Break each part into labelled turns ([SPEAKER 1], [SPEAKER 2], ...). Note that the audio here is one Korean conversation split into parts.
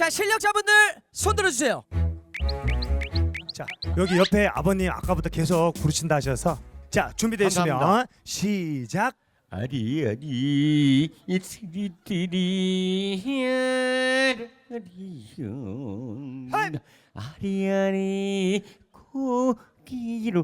[SPEAKER 1] 자, 실력자분들 손 들어주세요.
[SPEAKER 2] 자, 여기 옆에 아버님 아까부터 계속 부르신다 하셔서 자, 준비되시면
[SPEAKER 3] 감사합니다.
[SPEAKER 2] 시작.
[SPEAKER 3] 아리아리 이티리티리 아리용 아리아리 고기로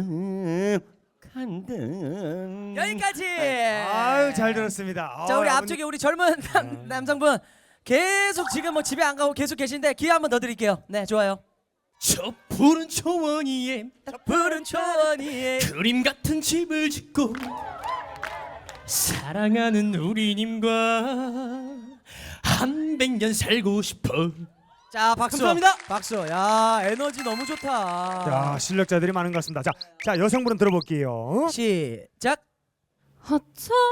[SPEAKER 3] 간다.
[SPEAKER 1] 여기까지.
[SPEAKER 2] 아유, 잘 들었습니다.
[SPEAKER 1] 자, 우리
[SPEAKER 2] 아버님.
[SPEAKER 1] 앞쪽에 우리 젊은 남성분 계속 지금 뭐 집에 안 가고 계속 계신데 기회 한 번 더 드릴게요. 네, 좋아요.
[SPEAKER 3] 저 푸른 초원 위에
[SPEAKER 1] 푸른 초원 위에
[SPEAKER 3] 그림 같은 집을 짓고 사랑하는 우리님과 한 100년 살고 싶어.
[SPEAKER 1] 자, 박수.
[SPEAKER 3] 감사합니다.
[SPEAKER 1] 박수. 야, 에너지 너무 좋다.
[SPEAKER 2] 자, 실력자들이 많은 것 같습니다. 자, 여성분은 들어볼게요.
[SPEAKER 1] 시작.
[SPEAKER 4] 어떤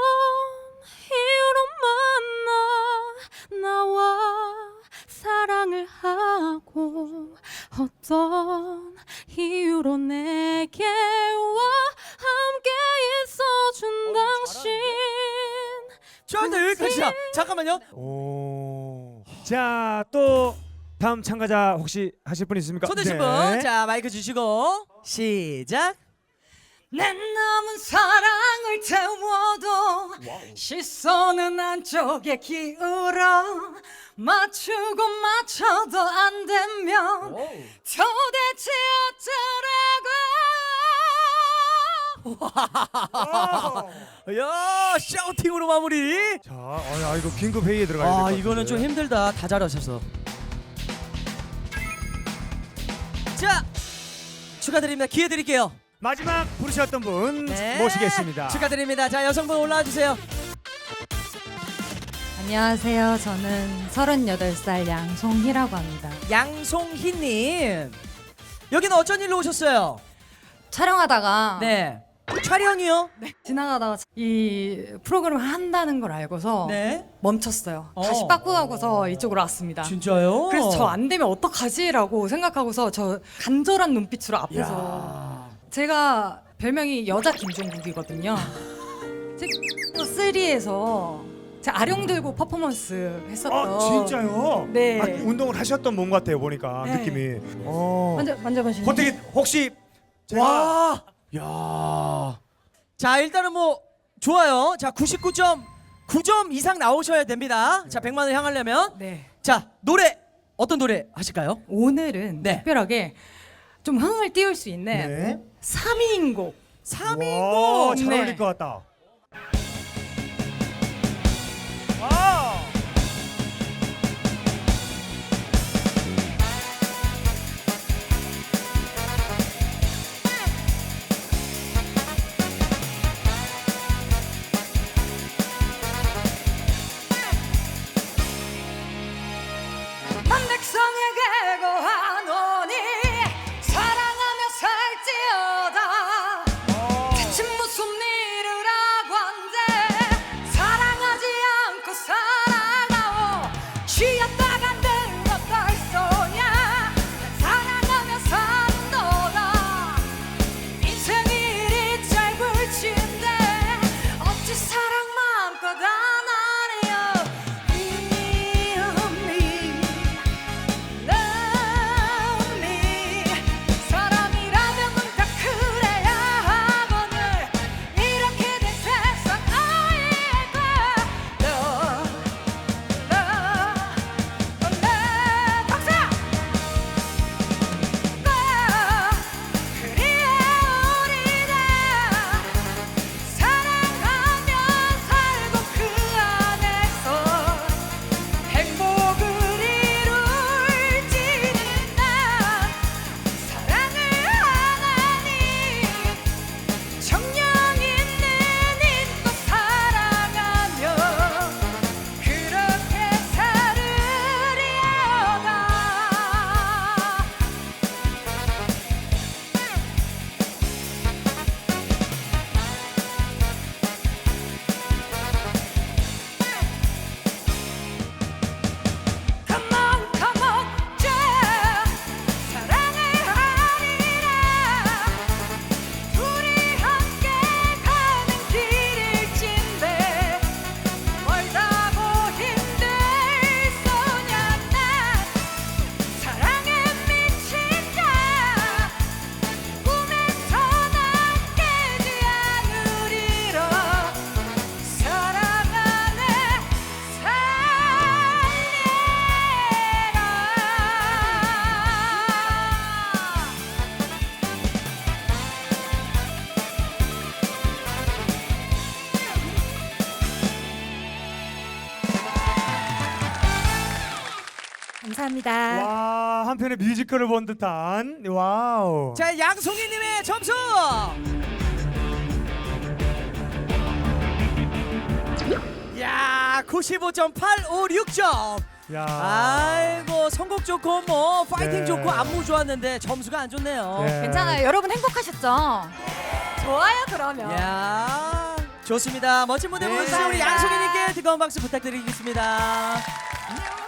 [SPEAKER 4] 이유로 만나 나와 사랑을 하고 어떤 이유로 내게 와 함께 있어준 당신
[SPEAKER 1] 자, 일단 여기까지야. 잠깐만요.
[SPEAKER 2] 오. 자, 또 다음 참가자 혹시 하실 분 있습니까?
[SPEAKER 1] 손 드신
[SPEAKER 2] 네.
[SPEAKER 1] 분. 자, 마이크 주시고 시작.
[SPEAKER 4] 내 남은 사랑을 태워도 시선은 안쪽에 기울어 맞추고 맞춰도 안 되면 도대체 어쩌라고.
[SPEAKER 1] 야, 샤우팅으로 마무리.
[SPEAKER 2] 자, 야, 이거 긴급 회의에 들어가야 될 것
[SPEAKER 1] 아,
[SPEAKER 2] 같은데.
[SPEAKER 1] 이거는 좀 힘들다. 다 잘하셔서. 자, 축하드립니다. 기회 드릴게요.
[SPEAKER 2] 마지막 부르셨던 분
[SPEAKER 1] 네.
[SPEAKER 2] 모시겠습니다.
[SPEAKER 1] 축하드립니다. 자, 여성분 올라와 주세요.
[SPEAKER 4] 안녕하세요. 저는 38살 양송희라고 합니다.
[SPEAKER 1] 양송희님. 여기는 어쩐 일로 오셨어요?
[SPEAKER 4] 촬영하다가
[SPEAKER 1] 네. 촬영이요?
[SPEAKER 4] 지나가다가 이 프로그램을 한다는 걸 알고서
[SPEAKER 1] 네.
[SPEAKER 4] 멈췄어요.
[SPEAKER 1] 어.
[SPEAKER 4] 다시 바꾸고서 이쪽으로 왔습니다.
[SPEAKER 1] 진짜요?
[SPEAKER 4] 그래서 저 안 되면 어떡하지라고 생각하고서 저 간절한 눈빛으로 앞에서
[SPEAKER 1] 야.
[SPEAKER 4] 제가 별명이 여자 김종국이거든요. 제가 3에서 제가 아령 들고 퍼포먼스 했었던.
[SPEAKER 2] 아, 진짜요?
[SPEAKER 4] 네.
[SPEAKER 2] 아, 운동을 하셨던 몸 같아요, 보니까
[SPEAKER 4] 네.
[SPEAKER 2] 느낌이.
[SPEAKER 4] 만져보시면.
[SPEAKER 2] 어떻게 혹시 제가
[SPEAKER 1] 와. 야. 자, 일단은 뭐 좋아요. 자, 99.9점 이상 나오셔야 됩니다. 자, 100만 원 향하려면.
[SPEAKER 4] 네.
[SPEAKER 1] 자, 노래 어떤 노래 하실까요?
[SPEAKER 4] 오늘은
[SPEAKER 1] 네.
[SPEAKER 4] 특별하게 좀 흥을 띄울 수 있는
[SPEAKER 2] 네.
[SPEAKER 4] 3인인 곡.
[SPEAKER 1] 3인곡.
[SPEAKER 2] 잘
[SPEAKER 4] 네.
[SPEAKER 2] 어울릴 것 같다. 아!
[SPEAKER 4] 만백성에게 고하노니 사랑하며 살지어다 대체 무슨 일을 하고 한데 사랑하지 않고 살
[SPEAKER 5] 감사합니다.
[SPEAKER 2] 와, 한편의 뮤지컬을 본 듯한 와우.
[SPEAKER 1] 자, 양송이님의 점수. 야, 95.856점.
[SPEAKER 2] 야.
[SPEAKER 1] 아이고, 선곡 좋고 뭐 파이팅
[SPEAKER 2] 네.
[SPEAKER 1] 좋고 안무 좋았는데 점수가 안 좋네요.
[SPEAKER 2] 네.
[SPEAKER 5] 괜찮아요. 여러분 행복하셨죠? 좋아요 그러면.
[SPEAKER 1] 야, 좋습니다. 멋진 무대
[SPEAKER 2] 네.
[SPEAKER 1] 보여주신 우리
[SPEAKER 5] 감사합니다.
[SPEAKER 1] 양송이님께 뜨거운 박수 부탁드리겠습니다.